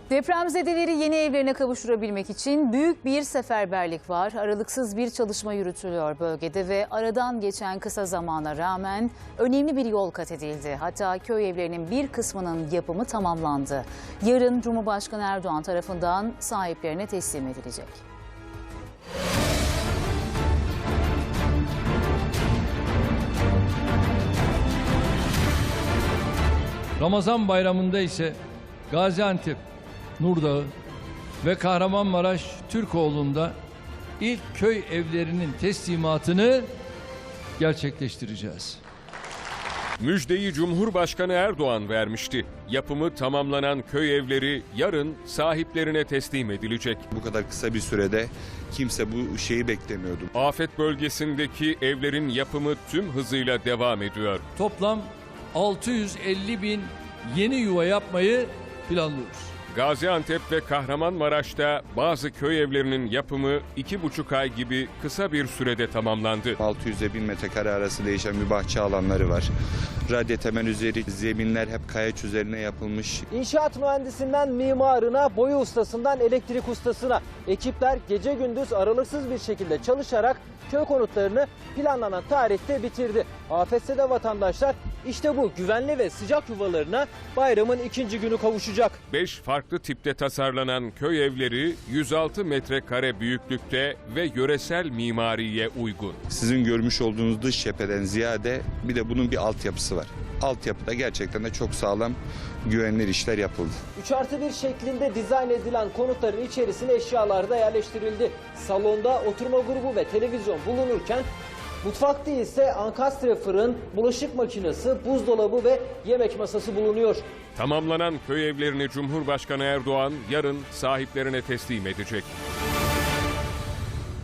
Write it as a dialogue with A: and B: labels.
A: Depremzedeleri yeni evlerine kavuşturabilmek için büyük bir seferberlik var. Aralıksız bir çalışma yürütülüyor bölgede ve aradan geçen kısa zamana rağmen önemli bir yol kat edildi. Hatta köy evlerinin bir kısmının yapımı tamamlandı. Yarın Cumhurbaşkanı Erdoğan tarafından sahiplerine teslim edilecek.
B: Ramazan bayramında ise Gaziantep, Nurdağı ve Kahramanmaraş Türkoğlu'nda ilk köy evlerinin teslimatını gerçekleştireceğiz.
C: Müjdeyi Cumhurbaşkanı Erdoğan vermişti. Yapımı tamamlanan köy evleri yarın sahiplerine teslim edilecek.
D: Bu kadar kısa bir sürede kimse bu şeyi beklemiyordu.
C: Afet bölgesindeki evlerin yapımı tüm hızıyla devam ediyor.
B: Toplam 650 bin yeni yuva yapmayı planlıyoruz.
C: Gaziantep ve Kahramanmaraş'ta bazı köy evlerinin yapımı 2,5 ay gibi kısa bir sürede tamamlandı.
D: 600'e 1000 metrekare arası değişen bir bahçe alanları var. Radya temel üzeri zeminler hep kayaç üzerine yapılmış.
E: İnşaat mühendisinden mimarına, boya ustasından elektrik ustasına ekipler gece gündüz aralıksız bir şekilde çalışarak köy konutlarını planlanan tarihte bitirdi. Afetzede vatandaşlar işte bu güvenli ve sıcak yuvalarına bayramın ikinci günü kavuşacak.
C: 5 farklı tipte tasarlanan köy evleri 106 metrekare büyüklükte ve yöresel mimariye uygun.
D: Sizin görmüş olduğunuz dış cepheden ziyade bir de bunun bir altyapısı var. Altyapıda gerçekten de çok sağlam, güvenilir işler yapıldı.
E: 3+1 şeklinde dizayn edilen konutların içerisine eşyalar da yerleştirildi. Salonda oturma grubu ve televizyon bulunurken mutfakta ise ankastre fırın, bulaşık makinesi, buzdolabı ve yemek masası bulunuyor.
C: Tamamlanan köy evlerini Cumhurbaşkanı Erdoğan yarın sahiplerine teslim edecek.